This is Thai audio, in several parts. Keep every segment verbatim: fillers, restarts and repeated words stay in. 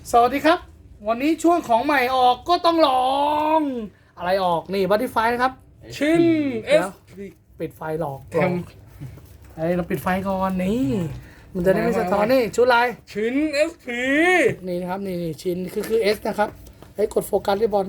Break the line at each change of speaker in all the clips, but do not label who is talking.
สวัสดีครับวันนี้ช่วงของใหม่ออกก็ต้องลองอะไรออกนี่บัตติไฟนะครับ
ชินเอ
เดี๋ย
ส
วปิดไฟหลอกหลอกไอ้เราปิดไฟก่อนนี่มันจะได้ไม่สะท้อนนี่ชุดลาย
ชินเอสพี
นี่นะครับนี่นี่ชิ้นคือคือ S นะครับให้กดโฟกัสที่บอล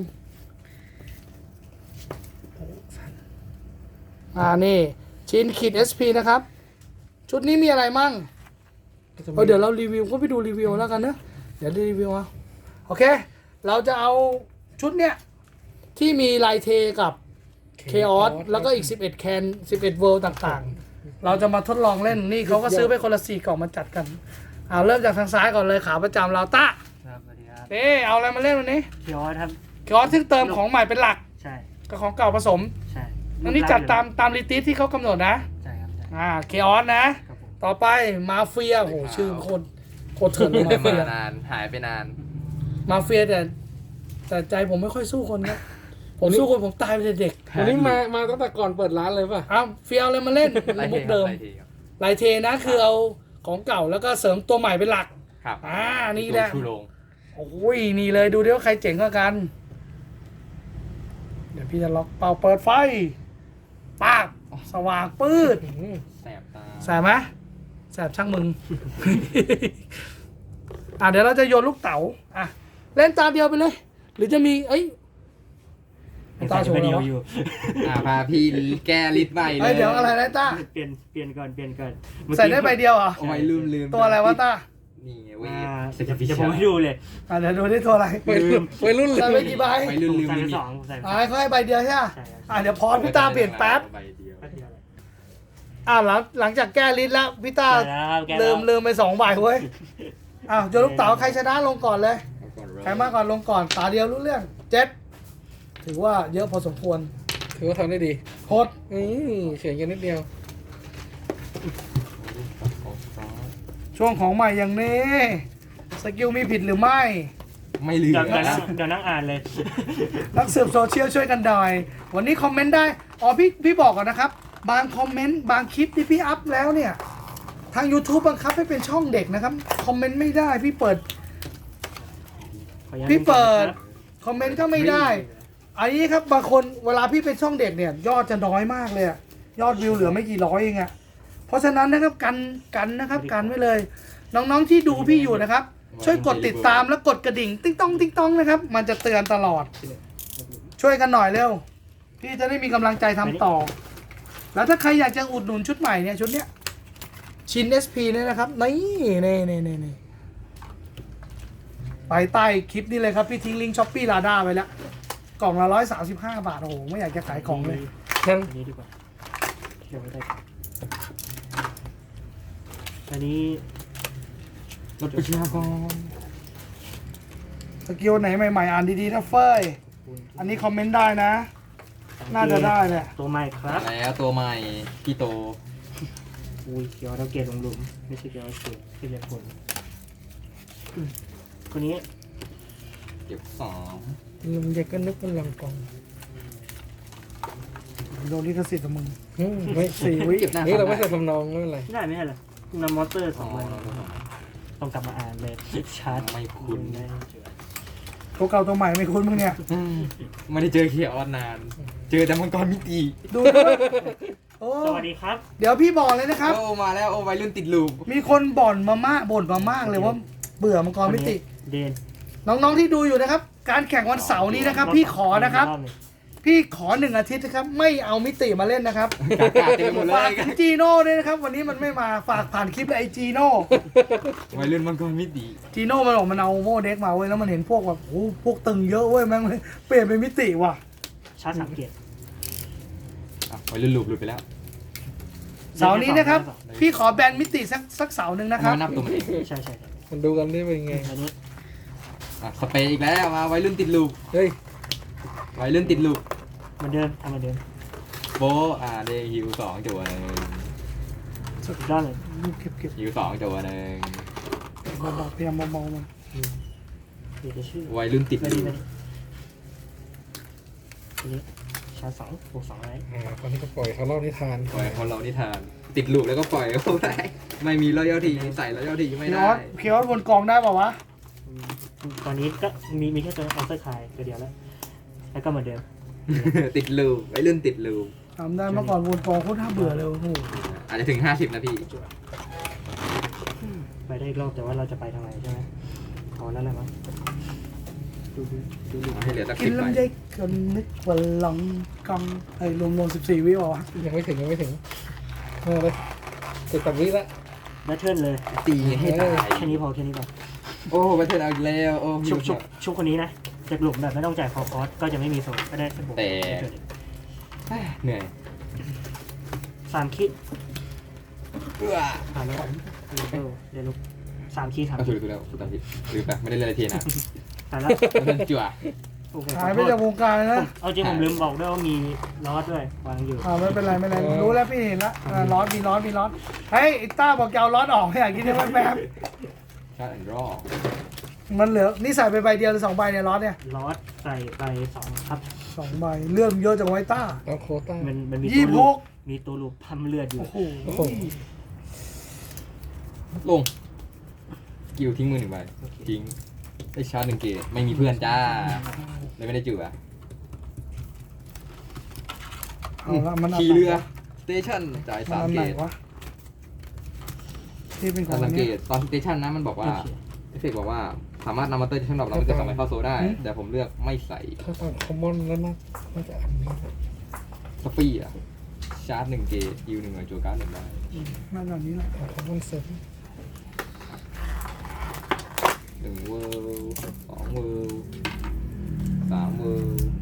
อ่านี่ชิ้นขีด เอส พี นะครับชุดนี้มีอะไรมั่งเออเดี๋ยวเรารีวิวก็ไปดูรีวิวแล้วกันเนอะเดี๋ยวรีวิวเอาโอเคเราจะเอาชุดเนี้ยที่มีลายเทกับเคออสแล้วก็อีกสิบเอ็ดแคนสิบเอ็ดเวิลด์ต่างๆเราจะมาทดลองเล่นนี่เขาก็ซื้อไปคนละสี่กล่องมาจัดกันเอาเริ่มจากทางซ้ายก่อนเลยขาประจำเราตะ
ครับสวัสดีครับ
เอ๊เอาอะไรมาเล่นวันนี้
เคียวครับ
เคออสซึ่งเติมของใหม่เป็นหลัก
ใช่
กับของเก่าผสม
ใช่
อันนี้จัดตามตามลิติสที่เขากำหนดนะ
ใช่ครับใช่
อ่าเคออสนะ
ครับผม
ต่อไปมาเฟียโหชื่อโคตรโคตรเถื่อนเลยมาเฟี
มาย นานหายไปนาน
มาเฟียแต่แต่ใจผมไม่ค่อยสู้คนครับผมสู้คนผมตายไปแต่เด็ก
วันนี้มามาตั้งแต่ก่อนเปิดร้านเลยป่ะ
อ้าวเฟียเอาอะไรมาเล่น
ไล่
มุ
เท
ก
ครั
เดิ
บ
ม
ไล่เทครับ
ลายเทนะคือเอาของเก่าแล้วก็เสริมตัวใหม่เป็นหลัก
ครับ
อ่านี่แหละ
ชูโรง
โอ้ยนี่เลยดูดิว่าใครเจ๋งกว่ากัน เดี๋ยวพี่จะล็อกเป่าเปิดไฟปากสว่างปืด
แสบตา
แสบไหมแสบช่างมึง อ่ะเดี๋ยวเราจะโยนลูกเต๋าอ่ะเล่นตาเดียวไปเลย หรือจะมีเอ้ยตาโชว์
เดี
แล้
ยว
ว
อยู่
อ่าพาพี่แก้ลิดใบเล
เอ้
ย
ยเดี๋ยวอะไรนะต้า
เปลี่ยนเปลี่ยนก่อนเปลี่ยนก่อน
ใส่ได้ใบเดียวเหรอ
เอาไว้ลืมลืม
ตัวอะไรวะต้า
นี่ไงเว้ย
อ่าเดี๋ยวจะผมให้ดูเลย
อ่ะเดี๋ยวดูได้ตัวอะไร
วัยรุ่นวัยรุ่นเล
ใส่ไป
ย
กี่ใบ
ไว้ลืม
ผม
ลืม
ใส่
ลิ
ไป
มิต
สองผมใส่ไป
อ่ะให้เขาให้ใบเดียวใช่ไหม
ใช่ครับ
อ่ะเดี๋ยวพอพี่ตาเปลี่ยนแป๊บ
ใบเดียว
แป๊บเดียวเลย
อ่ะหลังหลังจากแก้ลิ้นแล้วพี่ตา
แก้แล้วแก้แล้ว
ลืมลืมไปสองใบเว้ยอ้าวโยนลูกเต๋าใครชนะลงก่อนเลย
เอาก่อนเลย
ใครมากก่อนลงก่อนตาเดียวรู้เรื่องเจ็ดถือว่าเยอะพอสมควร
ถือว่าทำได้ดี
โคตร
อืมเขียนกันนิดเดียว
ช่วงของใหม่อย่างนี้สกิลมีผิดหรือไม่
ไม่ลืม
เดี๋ยวเดี๋ยวนั่งเดี๋ยวนั่งอ่านเลย
นักสืบโซเชียลช่วยกันหน่อย วันนี้คอมเมนต์ได้ อ๋อพี่พี่บอกก่อนนะครับ บางคอมเมนต์บางคลิปที่พี่อัพแล้วเนี่ย ทาง YouTube บังคับให้เป็นช่องเด็กนะครับ คอมเมนต์ไม่ได้ พี่เปิด
ขออนุญาต
พี่เปิด
ครับ
คอมเมนต์ก็ไม่ได้ อันนี้ครับบางคนเวลาพี่เป็นช่องเด็กเนี่ย ยอดจะน้อยมากเลยอะยอดวิวเหลือไม่กี่ร้อยเองอะเพราะฉะนั้นนะครับกันกันนะครับกันไว้เลย น้องๆที่ดูพี่อยู่นะครับ ช่วยกดติดตามและกดกระดิ่ง ติ๊งต้องติ๊งต้องนะครับ มันจะเตือนตลอด ช่วยกันหน่อยเร็ว พี่จะได้มีกำลังใจทำต่อ แล้วถ้าใครอยากจะอุดหนุนชุดใหม่เนี่ยชุดเนี้ยชิน เอส พี เนี่ยนะครับนี่นี่นี่นี่นี่ไปใต้คลิปนี้เลยครับ พี่ทิ้งลิงก์ช้อปปี้ลาด้าไปแล้ว กล่องละร้อยสามสิบห้าบาท โอ้โห ไม่อยากจะขายของเลย
ยัง
อันนี้ดีกว่าเดี๋ยวไม่ได้อันนี้
รถประชากร
สกิลไหนใหม่ๆ อ่านดีๆนะเฟ้ย อันนี้คอมเมนต์ได้นะ น่าจะได้แหละ
ตัวใหม่ครับ
แล้วตัวใหม่พี่โต
อุ้ยเกียวเราเกตลงหลุมไม่ใช่เกียวเกตที่เรียกผลอืมคนนี้
เก็บสอง
ลุงเด็กก็นึกเป็นลังกองโดนลิขสิทธิ์กับมึง
อืมไม่
สี่วิ
เก็บหน้า
นี่เรา
ฟั
ไม่
น
ใส่ทำนองไม่เป็นไร
ไม่ได้ไม่ได้เลยนำมอเตอร์ส
อ๋
อ
อง
ใบต้องกลับมาอ่านเลยชาร์จ
ไม่คุ้น
ได้
ตัวเก่าตัวใหม่ไม่คุ้นมึงเนี่ย
อืมไม่ได้เจอเคียร์ออนนาน เจอแต่มังกรมิติ
ดูด้วยโอ้
สวัสดีครับ
เดี๋ยวพี่บอกเลยนะครับ
โอ้มาแล้วโอ้วัยรุ่นติดลูป
มีคนบ่นมามากบ่นมามากเลยว่าเบื่อมังกรมิติ
เดน
น้องๆที่ดูอยู่นะครับ การแข่งวันเสาร์นี้นะครับ พี่ขอนะครับ พี่ขอหนึ่งอาทิตย์นะครับ ไม่เอามิติมาเล่นนะครับ
กากาเต็มไปหมดเล
ฝาก
ย
ถึงจีโน่ด้วยนะครับ วันนี้มันไม่มาฝากผ่านคลิปเลยไอจีโน่
วัยรุ่นมังกรมิติ
จีโน่มันบอกมันเอาโมเด็กมาเว้ยแล้วมันเห็นพวกแบบโอ้พวกตึงเยอะเว้ยแม่งเลยเปลี่ยนเป็นมิติว่ะ
ชาร์จสังเกต
อ่ะวัยรุ่นลูปหลุดไปแล้ว
เสาร์นี้นะครับ พี่ขอแบนมิติสักสักเสาร์หนึ่งนะค
ทำ
รับ
ไมนับตัวมันเอง
ใช่ใช่
มันดูกันได้เป็นไง
อันนี้
อ่ะสเปรย์อีกแล้วมาวัยรุ่นติดลูป
เฮ้ย
วัยรุ่นติดลูป
เหมือนเดิมทำเหมือนเดิม
โบะอ่าเดฮิวสองจัวหนึ่ง
สุดยอดเลย
เก็บเก็บ
ฮิวสองจัวหนึ่ง
เบาๆพยายามเบาๆมัน
เดี๋ยวจะชื่อ
วัยรุ่นติด
ไม่
ลู
ดี
ป
ไม่ดีอันนี้ชาร์จสองบวกสองอะไร
อ่าตอนนี้ก็ปล่อยเขาเล่านิทาน
ปล่อยเขาเรานิทาน ติดลูปแล้วก็ปล่อยเขาได้ไม่มีรอยย่อทีใส่รอยย่อทีไม่
พีอ
ได้
อสพีออสบนกองได้ป่าวะ
อืมตอนนี้ก็มีมีแค่ตัวออฟเซอร์คายตัวเดียวแล้ว แล้วก็เหมือนเดิม
ติดลูปไอ้รุ่นติดลูป
ทำได้เมื่อก่อนวนกองโคตรน่าเบื่อเลยโอ้โห
อาจจะถึงห้าสิบนะพี่
ไปได้อีกรอบแต่ว่าเราจะไปทางไหนใช่ไหมพอแล้วแหละมั้งดูดูดูดู
ให้เหลือสัก
กิ
สิ
น
บใบ
ลำไยกันนึกว่าลองกองไอ้รวมรวมสิบสี่วิวะ
ยังไม่ถึงยังไม่ถึงเออเลยติดตับวิละ
แบทเทิลเลย
ตีให้ตาย
แค่นี้พอแค่นี้พอ
โอ้ไปเทิร์นเอาอีกแล้วโอ้
ชุบชุบชุบคนนี้นะจากหลุมแบบไม่ต้องจ่ายคอคอสก็จะไม่มีโซนก็ได้สบุก
แต่เหนื่อย
สามคิด
เอื้อ
ผ่านแล้วเออเดี๋ยวลุกสามคิดสาม
เอา
คิ
ถู
ด
กถูกแล้วถูกตามผิดลืมไปไม่ได้เล่นอะไรทีนะ
ผ่านแล้ว
จั่ว
โอเค
หายไปจากวงการเลย
ผ
นะ
มเอาจริงผมลืมบอกด้วยว่ามีลอสด้วยวางอยู่
อ่าไม่เป็นไรไม่เป็นไรรู้แล้วพี่เห็นละอ่าร้อนมีร้อนมีร้อนเฮ้ยไอ้ต้าบอกจะเอาร้อนออกไม่อยากกินได้แป๊บ
ชาร์ดแอนด์รอ
ๆมันเหลือนี่ใส่ไปใบเดียวหรือสองใบเนี่ยร้อนเนี่ย
ลอสใส่ไปสองครับ
สองใบเลื่อนเยอะจังไว้ต้า
เอาโควต้า
มันมันมี
ยี่
ตัว
สิบห
ลูป
ก
มีตัวลูปพัมเลือดอยู่
โอ้โห
โอ้โห
ลงสกิลทิ้งมือหนึ่งใบทิ้งได้ชาร์จหนึ่งเกตไม่มีเพื่อนจ้าเลยไม่ได้จั่ว
เอาละมัน
ขี่เรือสเตชันจ่ายสาม
อัน
เก
ไหน
ต
วะที่เป็นขอ
ถ้าง สังเก
นี้
ตตอนสเตชันนะมันบอกว่า
โอเค
เอฟเฟกต์บอกว่าสามารถนำมาเตอร์ชั้นดอกเราไม่เกินสองใบเข้าโซได้ แต่ผมเลือกไม่ใส่
ถ้าตามคอมมอนแล้วนะน่าจะอันนี้นะ
สปีอ่ะชาร์จหนึ่งเกตยิวหนึ่งหน่วยจั่วการ์ดหนึ่งใบ
น่าจะนี้แหละ
เอาคอมมอนเสริม
หนึ่งเวิลด์สองเวิลด์สามเวิลด์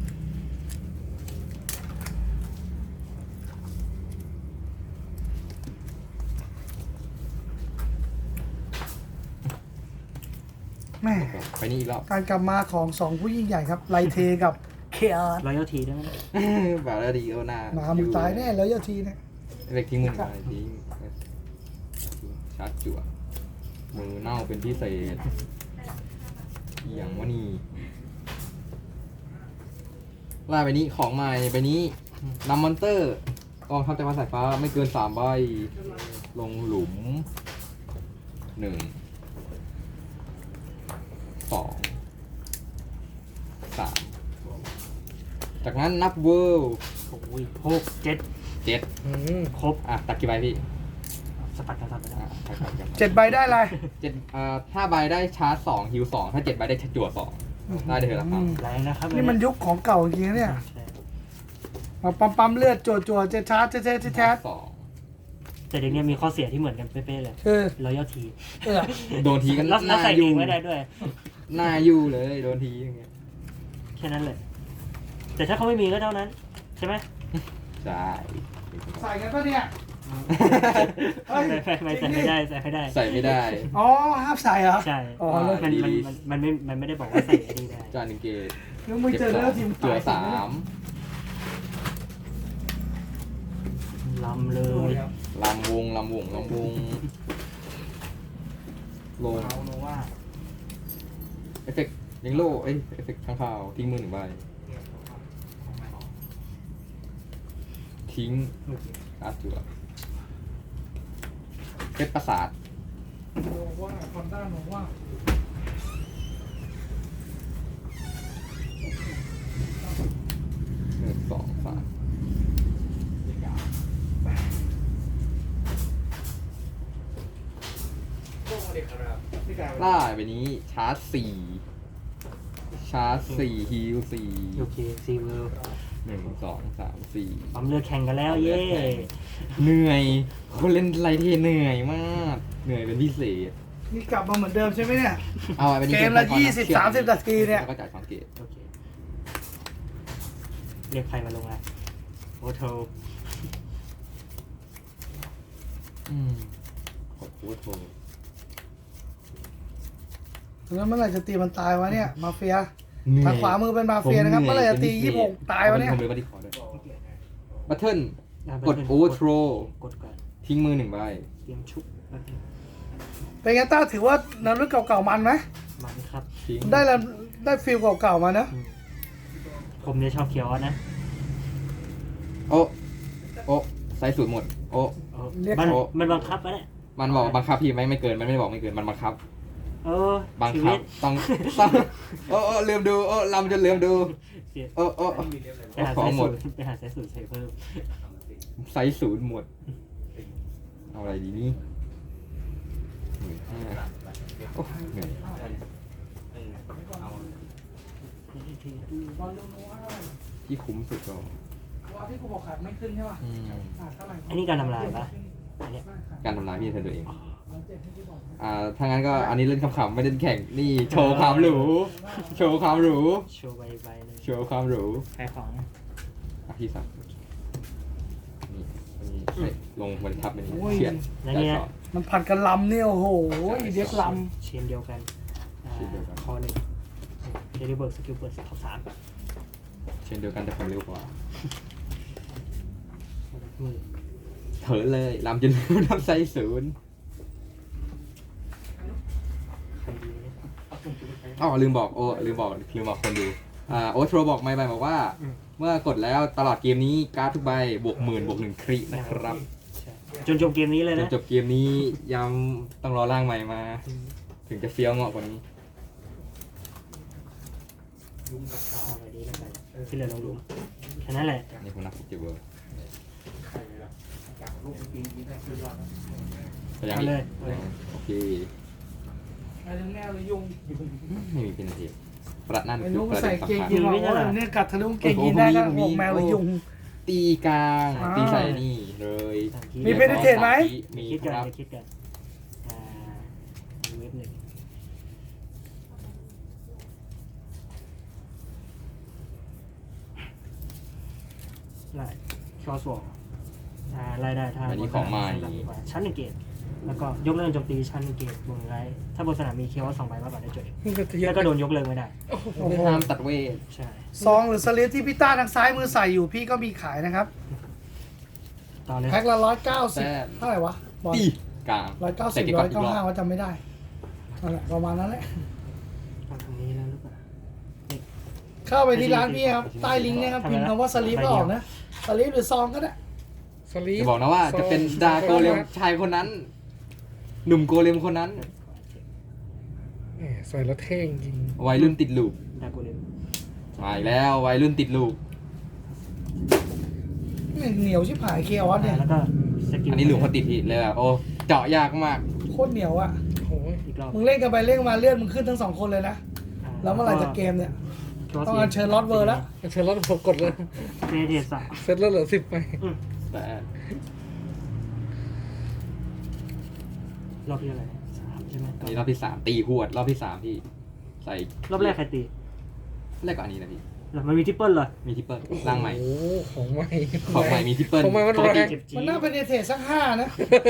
แม่
ไปนี่อีกรอบ
การกลับมาของสองผู้ยิ่งใหญ่ครับไลเทกับเคอาร์
รอยัลทีได้ไหม
บาร์ดีโอนา
หมามึงตายแน่แล้วยาทีเนี่ย
เอฟเฟกต์ทิ้งมือไปทิ้งชาร์จจั่วมือเน่าเป็นพิเศษอหย่างว่านี่ล่าไปนี้ของใหม่ไปนี้นำมอนเตอร์กองทัพจักรวาลสายฟ้าไม่เกินสามใบลงหลุมหนึ่งสองสามจากนั้นนับเวิลด์
โอ้ยหกเจ็ด
เจ็ด
อืม
ครบ
อ่ะตัดกี่ใบพี่
สปัดกันสับไปแล้ว
อ่ะตัดตัดตัด
เจ็ดใบได้อะไร
เจ็ดอ่าห้าใบได้ชาร์จสองฮิวสองถ้าเจ็ดใบได้จั่วสองได้เดือนละครั้ง
แรงนะครับ
นี่มันยุคของเก่าจริงๆเนี่ย
ใช่
มาปั๊มปั๊มเลือดจั่วจั่วเจ็ดชาร์จเจ็ดเจ็ดเจ็ดแชท
สอง
แต่เด็กเนี่ยมีข้อเสียที่เหมือนกันเป๊ะๆเลย
คือ
รอยัลที
เออ
โดนทีกัน
แล้ว
ห
แล้ว
น้า
ใส่
ยู่
เองไม่ได้ด้วย
หน้ายู่เลยโดนทีอย่างเงี้ย
แค่นั้นเลย แต่ถ้าเขาไม่มีก็เท่านั้น ใช่ไหม
ใช่
ใส่กันปะเนี่ยเฮ้ย
ไม่ไม่ใส่ไม่ได้ใส่ไม่ได้
ใส่ไม่ได้
อ๋อห้ามใส่เหรอ
ใช่
อ๋อ
มัน
แล้ว
มันมันมันไม่มันไม่ได้บอกว่าใส่อันนี้ได้
จานหนึ่งเกต
แล้วมึงเจอ
ส
เลื
อ
อง ดทีม
จั่ว
ตาย
สาม
ลำเลย
ลำวงลำวงลำวงลง
เอาโนว่า
เอฟเฟกต์ยิงโล่เอ้ยเอฟเฟกต์ข้างข่าวทิ้งมือหนึ่งใบทิ้งการ์ดจั่วเพชรประสาท
บอกว่าคอนด้าบอกว่า
หนึ่งสองสามล่าไปนี้ชาร์จสี่ชาร์จสี่ฮิลสี่
โอเคซีเวล
หนึ่งสองสามสี่
ปั๊มเลือดแข่งกันแล้วเย้
เหนื่อยคนเล่นไรเทเหนื่อยมาก เหนื่อยเป็นพิเศษ
นี่กลับมาเหมือนเดิมใช่ไหมเนี่ย
เอาไปนี่
เกมละยี่สิบสามสิบนาทีเนี่ย
แล้วก็จ่ายสองเกต
โอเคเรียกใครมาลงอ่ะโอโท
อืมขอบคุณโทร
แล้วเมื่อไหร่จะตีมันตายวะเนี่ยมาเฟีย
เหนื่อย
ทางขวามือเป็นมาเฟียนะครับเมื่อไหร่จะตียี่สิบหกตายวะเนี่ย
ผมเลยบัตรขอด้วยบัตเทิล
อ่ะ
กด Overthrow
กดก่อน
ทิ้งมือหนึ่งใบ
เตรียมชุบแป๊บนึง
เป็นไงต้าถือว่านารุ่นเก่าๆมันไหม
มันครับ
ทิ้ง
ได้แล้วได้ฟิลเก่าๆมานะ
อืมผมเนี่ยชอบเขียวนะ
โอ้โอ้ใส่สูตรหมด โอ้
เออมันมันบังคับไปแหละ
มันบอกบังคับพี่ไม่ไม่เกิน มันไม่ได้บอกไม่เกิน มันบังคับ
เออ
บัง
ชี
คั
วิ
บ
ต
ต้องต้องโอ้โอ้ลืมดูโอ้ลำจนลืมดู
เสีย
โอ้โอ้
ไปหา
ขอ
สาง ย
หม
สู
ด
ตรไปหาสายสูตรใส่เพิ่ม
ไซส์ศูนย์หมดเอาอะไรดีนี่หมื่นห้าโอ้เหนื่อย
บอลลูนว่าเท่าไหร่
ที่คุ้มสุดก็
ว่าที่กูบอกขาดไม่ขึ้นใช่ป่ะ
อืม
ขาดเท่าไหร่
อันนี้การทำลายปะอันเนี้ย
การทำลายพี่เธอตัวเอง
ร้อยเจ็ดที่พี่บอกนะ
อ่าถ้างั้นก็อันนี้เล่นขำๆไม่เล่นแข่งนี่โชว์ความหรูโชว์ความหรู
โชว์ใบใบหนึง
โชว์ความหรู
ขายของ
อ่ะพี่สักนี่อันนี้ใส่ลงบนทับเป็นเฉียด
แล้วเนี่ย
ต่อ
มันผัดกันลำเนี่ยโอ้โหเด็กล
เชนเดียวกันอ่า
เชนเดียวกัน
คอหนึ่งเดลิเบิร์กสกิลเปิดท็อปสาม
เช่นเดียวกันแต่ความเร็วกว่า
มือ
เถอะเลยลำจนลืมนับไซส์ศูนย์
ใครดีเนี่ย
อ๋อลืมบอกโอ้ลืมบอกลืมบอกคนดูอ่าโอ้โทรบอกไม่ไปบอกว่า เมื่อกดแล้วตลอดเกมนี้การ์ดทุกใบบวกหมื่นบวกหนึ่งครินะครับ
ใช่จนจบเกมนี้เลย
จน
นะ
จบเกมนี้ย้ำต้องรอร่างใหม่มา ถึงจะเฟี้ยวเหงาะกว่านี้
เอาไปดีแล้วกันที่เหลือลงหลุมแค่นั้นแหละ
นี่ผมนับสิบเจ็ดเวอร์ไปยัง
เอา
อีก
เลย
โอเค
ำอะไรแนวเลยยุง
ไม่มีเพนเทียประนั่น
ไอ้
คือ
ลุง
ประ
ใส่
เด็น
เกง
สำคัญ
ยีนบอกว่าเนี่ยกัดทะลุเกงยีนได้ก็บอกแมวเลยยุง
ตีกลาง
อ่า
ตีใส่นี่เลย
มี เพนเทนไหม
มี
คิด
ค
กัน
รับ
ไปคิดกันอ่ามีเว็บหนึ่งไล่คอสวอลอ่าไล่ได้ถ้า
อันนี้ของใหม่
ชั้นหนึ่งเกตแล้วก็ยกเลิกโจมตีชั้นหนึ่งเกตบนไลท์ถ้าบนสนามมีเคียวสองใบมากกว่าได้จดแล้วก็โดนยกเลิกไม่ได้
โอ้โห
ห้ามตัดเวท
ใช่
ซองหรือสลิปที่พี่ต้าทางซ้ายมือใส่อยู่พี่ก็มีขายนะครับ
ต่อเลย
แพ็คละร้อยเก้าสิบเท่าไหร่วะบอล
ตีกลาง
ร้อยเก้าสิ
แต่
บ
เก็บ
ร้
ก่
อ
อน
ย
อีก
เก้าร
อ
ห้า
บ
ว่าจำไม่ได้นั่นแหละประมาณนั้นแหละ
เอาตรงนี้แล้วหรือเปล่า
เข้าไปที่ร้านพี่ครับ ใต้ลิงก์เนี่ยครับพิมพ์คำว่าสลิปก็ออกนะสลิปหรือซองก็ได้
สลี
จะบอกนะว่าจะเป็นดาโกเลมชายคนนั้น หนุ่มโกเลมคนนั้น
แหมใส่แล้วเท่จริง
วัยรุ่นติดลูก
ดาโกเลม
มาอีกแล้ววัยรุ่นติดลูก
เหนียวชิบหายเคออสเนี่ย
แล้วก็สกิล
อันนี้หลุมเขาติดผิดเลยแบบโอ้เจาะยากมาก
โคตรเหนียวอ่ะ
โอ้ย
อีกรอบ
มึงเล่นกันไปเล่นกันมาเลือดมึงขึ้นทั้งสองคนเลยนะแล้วเมื่อไหร่จะเกมเนี่ยต้องอัญเชิญลอตเวอร์แล้ว
เซตแล้วผมกดเลย
เมเดสอะ
เซตแล้วเหลือสิบไป
แต่
รอบที่อะไรสามใช่ไหม
อันนี้รอบที่สามตีหวดรอบที่สามพี่ใส่
รอบแรกใครตี
แรกกว่าอันนี้นะพี่
หรอมันมีทิปเปิลเหรอ
มีทิปเปิลร่างใหม่
โอ้โหของใหม่
ของใหม่มีทิปเปิล
ของใหม่มัน
ปก
แร
ติ
ง
เจ็บจี๊
มัน
ด
น่าเป็นเอเทสสักห้านะ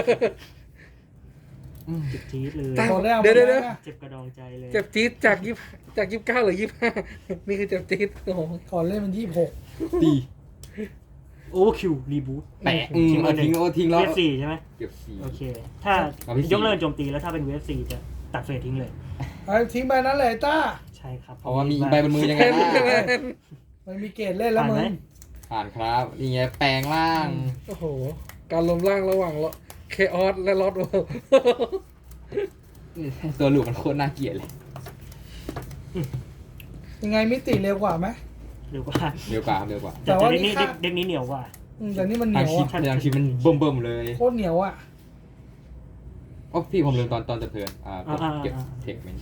อืม
เจ็บจี๊ดเลย
แต่
หมดแล้ว
เดี๋ยวเดี๋ยว
หม
เดี๋ยว
แล้
เจ็บกระดองใจเลย
เจ็บจี๊ดจากยี่จากยี่สิบเก้าหรือยี่สิบห้านี่คือเจ็บจี๊ดโอ้โห
ก่อนเล่นมันยี่สิบหก
ตี
โอ้คิวรีบูท
แปะอืมเอาทิ้งเอาทิ้งแล้ว
เวฟสี่ใช่ไหม
เก็บสี่
โอเค ถ้า
เอาที่สี่
ยกเลิกโจมตีแล้วถ้าเป็นเวฟสี่จะตัดเฟสทิ้งเลย
ไอ้ทิ้งไปนั้นเลยต้า
ใช่ครับ
เพราะว่ามีใบบนมือยังไงล่ะ
มันมีเกรดเล่นแล้ว
ผ่าน
มึ
ไหม
ง
ผ่านครับนี่ไงแปลงร่าง
โอ้โห การลมร่างระหว่างเคออสและลอตเวิลด์
ตัวหลูกมันโคตรน่าเกลียดเลย
ยังไงมิติเร็วกว่าไหม
เร็วกว่า
เร็วกว่าครับเร็วกว่า
แต่
แต่
ว่า
เด็ก
นี่
นี้
ค่า
เด็กนี้เหนียวกว่า
อืมแต่นี่มันเห
ทา
นี
ง
ยว
ชิป
อ่ะ
ทางชิปมันเบิ่มเบิ่มๆเลย
โคตรเหนียวอ่ะ
อ๋อพี่ผมลืมตอนตอนจะเพลินอ่า
อ่าอ่า
เก็บ
อ่า
เทคมัน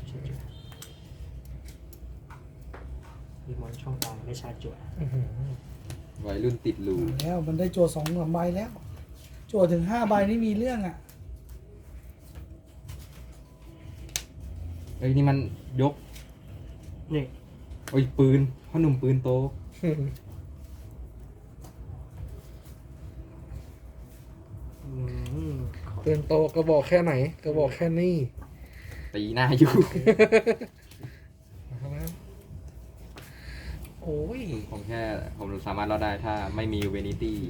มีมอนช่องกลางได้ชาร์จจั่ว
อื้อหือ
วัยรุ่นติดลูก
แล้วมันได้จั่วสองสามใบแล้วจั่วถึงห้าใบนี่มีเรื่องอ่ะ
เอ้ยนี่มันยก
นี่
โอ้ยปืนพ่อหนุ่มปืนโต
อืม
เตือนโตกระบอกแค่ไหนกระบอกแค่นี้
ตีหน้าอยู่
โอ้ย
ผมแค่ผมสามารถรอดได้ถ้าไม่มีเวนิตี้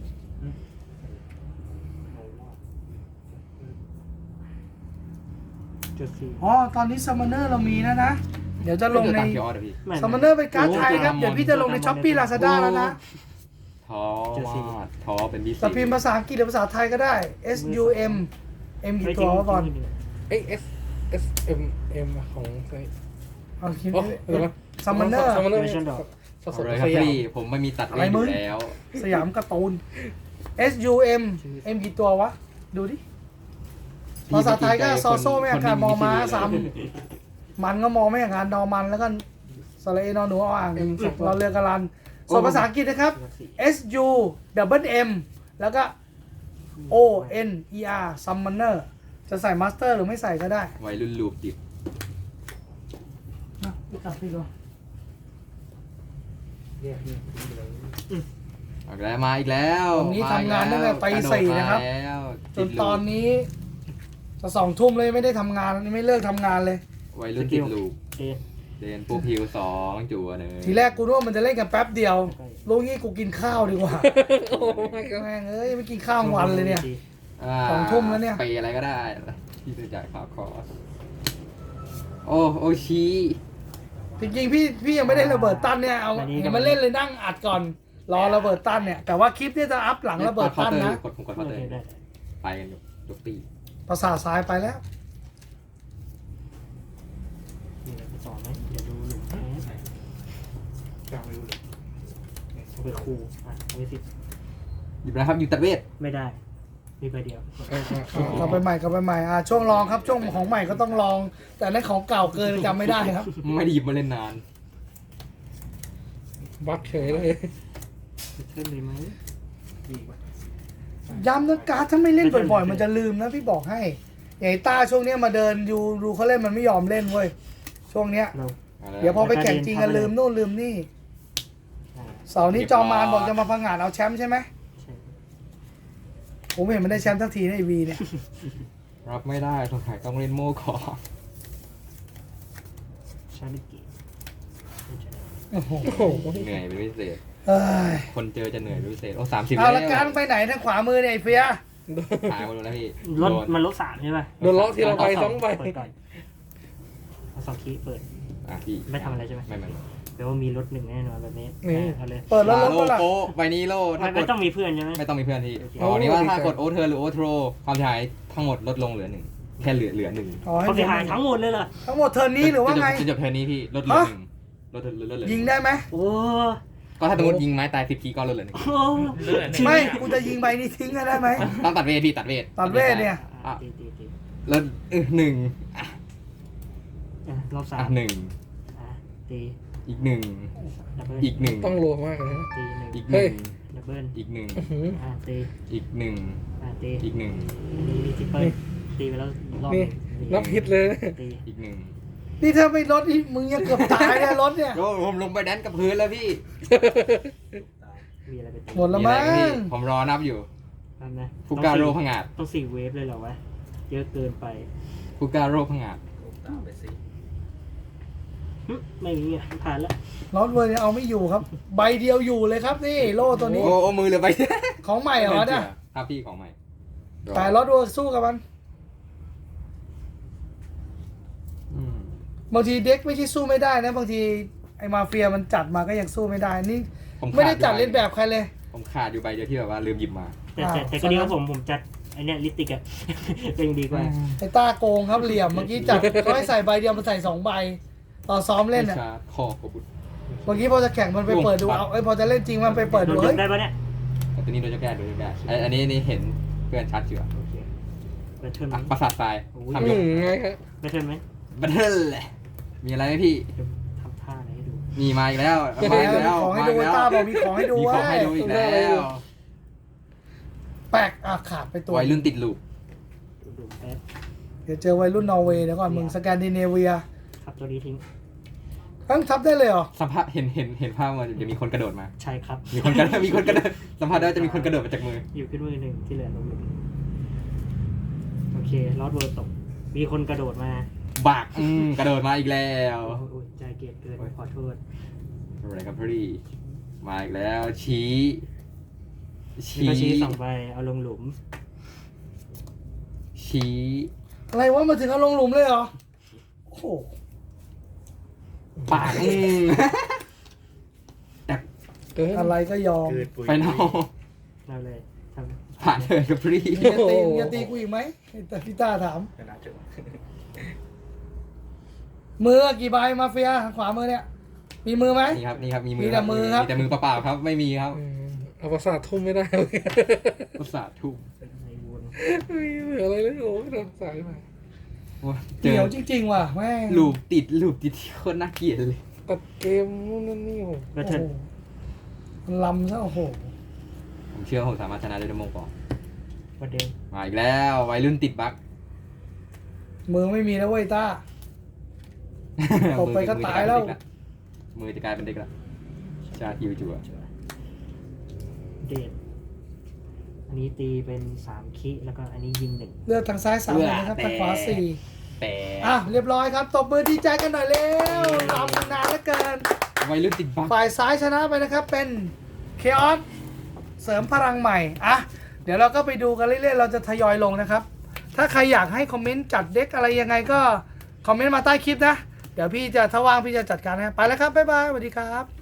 จุดสี่
อ๋อตอนนี้ซัมมอนเนอร์เรามีนะนะ เดี๋ยวจะลงใน
ตามเคียวออเดอร์พี่
ไม่
ซัมมอนเนอร์เป็นการ์ดไทยครับ เดี๋ยวพี่จะลงในช้อปปี้ลาซาด้าแล้วนะ
ท้อมากท้อเป็นพิเศ
แต่
ษ
พิมพ์ภาษาอังกฤษหรือภาษาไทยก็ได้ S U M M กี่ตัววะบอล
เอ้ยเอส S M M ของไซ
เอาคิด
อ๋อเดี๋ยวนะ
ซัมมอนเนอร์
ซัมมอนเนอร์
Dimension Door
สด
เอา
ๆ
เลยครับ
สยาม
พี่ผมไม่มีตัดเวทอยู่แล้ว
สยามการ์ตูน S U M M กี่ตัววะ ดูดิ ภาษาไทยก็ซอโซ่ไม่อาการมอม้าซ้ำมันก็มองไม่อาการดอมันแล้วก็สระเอนอหนูเอาอ่างเราเรือกระลันส่วนภาษาอังกฤษนะครับ S U double M แล้วก็ O N E R Summoner จะใส่มาสเตอร์หรือไม่ใส่ก็ได้
วัยรุ่นลูกจิบ
นะพี่ตัดพี่ดู
เนี่ยเนี่ยทิ้งไปเลย
เอาอีกแล้วมาอีกแล้ว
วันนี้ทำงานตั้งแต่ตีสี่นะครับ
มาแล้ว
จนตอนนี้จะสองทุ่มเลยไม่ได้ทำงานไม่เลิกทำงานเลย
วัยรุ่นติดลูก
เอ๊ะ
เดนปูพิวสองจั่วหนึ่ง
ทีแรกกูนึกว่ามันจะเล่นกันแป๊บเดียวรู้งี้กูกินข้าวดีกว่า
โอ้ไม่ก็
แม่งเอ้ยไม่กินข้าววันเลยเนี่ย
า
สองทุ่มแล้วเนี่ย
ไปอะไรก็ได้ที่จะจ่ายค่าคอร์สโอ้โอชิ
จริงๆพี่พี่ยังไม่ได้ระเบิดตั้นเนี่ยเอาเห็นมาเล่นเลยนั่งอัดก่อน รอระเบิดตั้นเนี่ยแต่ว่าคลิปเนี่ยจะอัพหลังระเบิดตั้นนะ
กดผมกดเคาน์เตอร์
ได้
ไปกันยกยกตี
ภาษาทซ้ายไปแล้ว
มีอะไรไปต่อไหมเดี๋ยวดูหลุมแป๊บ
กลางไม่รู้เลย
เอาไปคูอ่ะเอาไปสิบ
หยิบนะครับหยิบตัดเวท
ไม่ได้ มีใบเดียว
เออเออเออก
ลับไปใหม่กลับไปใหม่อ่ะช่วงลองครับช่วงของใหม่ก็ต้องลอง แต่นั่นของเก่าเกินจำไม่ได้ครับ
ไม่ได้หยิบมาเล่นนาน
บักเฉยเลย
เช่นเลยไหมดีกว่า
ย้ำนะการ์ดถ้าไม่เล่นบ่อยๆ มันจะลืมนะพี่บอกให้อย่างไอ้ต้าช่วงเนี้ยมาเดินยูรูเขาเล่นมันไม่ยอมเล่นเว้ยช่วงเนี้ย
เรา
อาละ
เดี๋ยวพอไปแข่งจริงกันลืมนู่นลืมนี่
อ่า
เสาร์นี้จอมมานบอกจะมาพังงาดเอาแชมป์ใช่ไหม
ใช่
ผมเห็นมันได้แชมป์ทั้งทีในไอวีเนี่ย
รับไม่ได้สงสัยต้องเล่นโม่ก่อน
ชาลิกิไม่ใช่
โอ้โห
โอ้โห
เหนื่อยเป็นพิเศษ
เอ้ย
คนเจอจะเหนื่อยเป็นพิเศษโอ้สามสิบ
เอา
แล้ว
ละการไปไหนทางขวามือเนี่ยไอ้เฟีย
หายหมดแล้วพี่
รถ
โดน
มันลบสามใช่ป่ะ
โดนล็อกทีละใบสองใบ
เปิดก่อนเอาสองคีย์เปิด
อ่ะพี่
ไม่ทำอะไรใช่ไหม
ไม่ไม่
แปลว่ามีรถหนึ่งแน่นอนแบบนี้
นี่
อ่ะเอาเลย
เปิดแล้วล
ลา
บ
โล
ก็ล่ะ
โก้ใบนี้โล
ไม่
ถ้าก
ไม่
ด
ต้องมีเพื่อนใช่ไหม
ไม่ต้องมีเพื่อนที่
โอเค
อ๋อนี่ว่าถ้ากดโอเทอร์หรือโอทโรความเสียหายทั้งหมดลดลงเหลือหนึ่งแค่เหลือเหลือหนึ่ง
อ๋อให้
เขาเสียหายทั้งหมดเลยเหรอ
ทั้งหมดเทิร์นนี้หรือว่าไง
จนจบเทอร์นนี้พี่ลดเหลือหนึ่งลดลดลดเหลือห
ยิ
นึ่
งได้ไหม
โอ้
ก็ถ้าสมมติยิงไม้ตายสิบทีก็ลดเหลือหนึ่ง
โห
ไม่กูจะยิงใบนี้ทิ้งกันได้ไหม
ต้องตัดเวทพี่ตัดเวท
ตัดเวทเนี่ย
อ่ะตีตีตี
ลดเออหนึ่งอ่ะ
อ่ะรอบสา
อ่ะ
ม
หนึ่ง
อ่ะตี
อีกหนึ่ง
ดับเบิล
อีกหนึ่ง
ต้องรัวมากเลยนะ
ตีหนึ่ง
อีกหนึ่ง
ดับเบิล
อีกหนึ่ง
อื้อหือ
อ่ะตี
อีกหนึ่ง
อ่ะตี
อีกหนึ่ง
อันนี้มีทิปเปิลตีไปแล้วรอบห
นี่
นึ่ง
นับฮิตเลยนะ
ตี
อีกหนึ่ง
นี่ถ้าไม่ลดนี่มึงยังเกือบตายเนี่ยรถเนี่ย
โอ้ผมลงไปแดนกับพื้นแล้วพี่
มีอะไรไปตี
หมดแล้วมั้ง
อะไรพี่ผมรอนับอยู่
ทำนะ
ฟูการโรพงาด
ต้องสี่เวฟเลยเหรอวะเยอะเกินไป
ฟูการโรพงาด
หึไม่มีอ่ะผ่านแล้ว
รถเวอร์เนี่ยเอาไม่อยู่ครับ ใบเดียวอยู่เลยครับนี่โล่ตัวนี้
โอ้โอ้มือเหลือไป
ของใหม่เหรอเนี่ย
ครับพี่ของใหม่
แต่รถเวอร์สู้กับมัน
อืม
บางทีเด็กไม่ใช่สู้ไม่ได้นะบางทีไอ้มาเฟียมันจัดมาก็ยังสู้ไม่ได้นี่
ผม
ไม่ได้จัด
ขา
เล่นแบบใครเลย
ผมขาดอยู่ใบเดียวที่แบบว่าลืมหยิบมา
แต่แต่
อ่า
แต่ก็ดีว่าผมผมจัดไอเนี้ยลิปติกอะ ก็ยังดีกว่า
ไอ้ต้าโกงครับเหลี่ยมเมื่อกี้จัดเขาให้ใส่ใบเดียวมันใส่สองใบตอนซ้อมเล่น
ไม่
อ่ะ
ชาร์จคอกบบุตร
เมื่อกี้พอจะแข่งมันไปเปิดดูเอาไอ้ยพอจะเล่นจริงมันไปเปิด
โด
ดู
นย
เฮ้ย
กได้ปะเนี่ย
แต่ตัวนี้โดนจะแก้โดนจะแก้ไอ้อันนี้นี่เห็นเพื่อนชัดเจือ
โอเคแบทเทิลไหม
อ่ะประสาททราย
โอ้ย
ทำย
อื
ก
มไงครับ
แบทเทิลไหม
บัตเทิลเลยมีอะไรไหมพี่
เดี๋ยวทำท่าอะไรให้ดู
มีมาอีกแล้ว
มี
มาอีกแล้ว
ของให้ดู
มา
ไอ้
อีก
ต้า
แล้ว
บอกมีของให้ดู
มีของให้
เว้ย
ดูอีกแล้ว
แปลกอ่ะขาดไปตัว
วัยรุ่นติดลูก
ดูดูแป๊บ
เดี๋ยวเจอวัยรุ่นนอร์เวย์เดี๋ยวก่อนมึงสแกนดิเนเวีย
ครับตัวนี้ทิ้ง
ทั้งทับได้เลยเหรอ
สัมภาษณ์เห็นเห็นเห็นภาพมันจะมีคนกระโดดมา
ใช่ครับ
มีคนกระโดดมีคนกระโดดสัมภาษณ์ได้ว่าจะมีคนกระโดดมาจากมือ
อยู่ขึ้นมือหนึ่งที่เหลือลงมือโอเคลอดเวิร์ตก มีคนกระโดดมา
บากอืมกระโดดมาอีกแล้ว
โอ้โหใจเกลียดเกินขอโทษ
อะไรครับพี่มาอีกแล้วชี้
มีก็ชี้สองใบเอาลงหลุม
ชี้
อะไรวะมาถึงเอาลงหลุมเลยเหรอโอ้โห
ปากอืม
เกิน
อะไรก็ยอม
ไปนอก
เราเลยท
ผ่านเลยครับพี่
มึงจะตีมึงจะตีกูอีกไหมแต่พี่ต้าถาม
ำ
มือกี่ใบมาเฟียขวามือเนี่ย มีมือไหม
นี่ครับนี่ครับมีมื
มีแต่มือครับ
มีแต่มือเปล่าๆครับไม่มีครับ
อืมเอาประสาททุ่มไม่ได้เลย
ประสาททุ่ม
เป็นไงวน
ไม่เหลืออะไรเลยโอ้ยโดนสายมา
โอ้ยเจ
เดี๋
อ
ยวจริงๆว่ะแม่ง
ลูปติดลูปติดที่โคตรน่าเกลียดเลย
ตัดเกมนู่นนั่นนี่โอ้
แล้ว
โอ้
เธอ
โหมันลำซะโอ้โห
ผมเชื่อว่าผมสามารถชนะได้ด้วยโมงกอน
ประเด็น
มาอีกแล้ววัยรุ่นติดบั๊ก
มือไม่มีแล้วเว้ยต้า ตบไปก็ตายแล้ว
มือจะกลายเป็นเด็กละชาฮิวจัว
เดทอันนี้ตีเป็นสามคิแล้วก็อันนี้ยิงหนึ่ง
เลือกทางซ้ายสามเลยนะครับทางขวาสี่
แต่
อ่ะเรียบร้อยครับตบมือดีใจกันหน่อยเร็วลำนานเหลือเกิน
วัยรุ่นติดบั๊ก
ฝ่ายซ้ายชนะไปนะครับเป็นเคออสเสริมพลังใหม่อ่ะเดี๋ยวเราก็ไปดูกันเรื่อยๆเราจะทยอยลงนะครับ ถ้าใครอยากให้คอมเมนต์จัดเด็กอะไรยังไงก็คอมเมนต์มาใต้คลิปนะ เดี๋ยวพี่จะถ้าว่างพี่จะจัดการนะไปแล้วครับบ๊ายบายสวัสดีครับ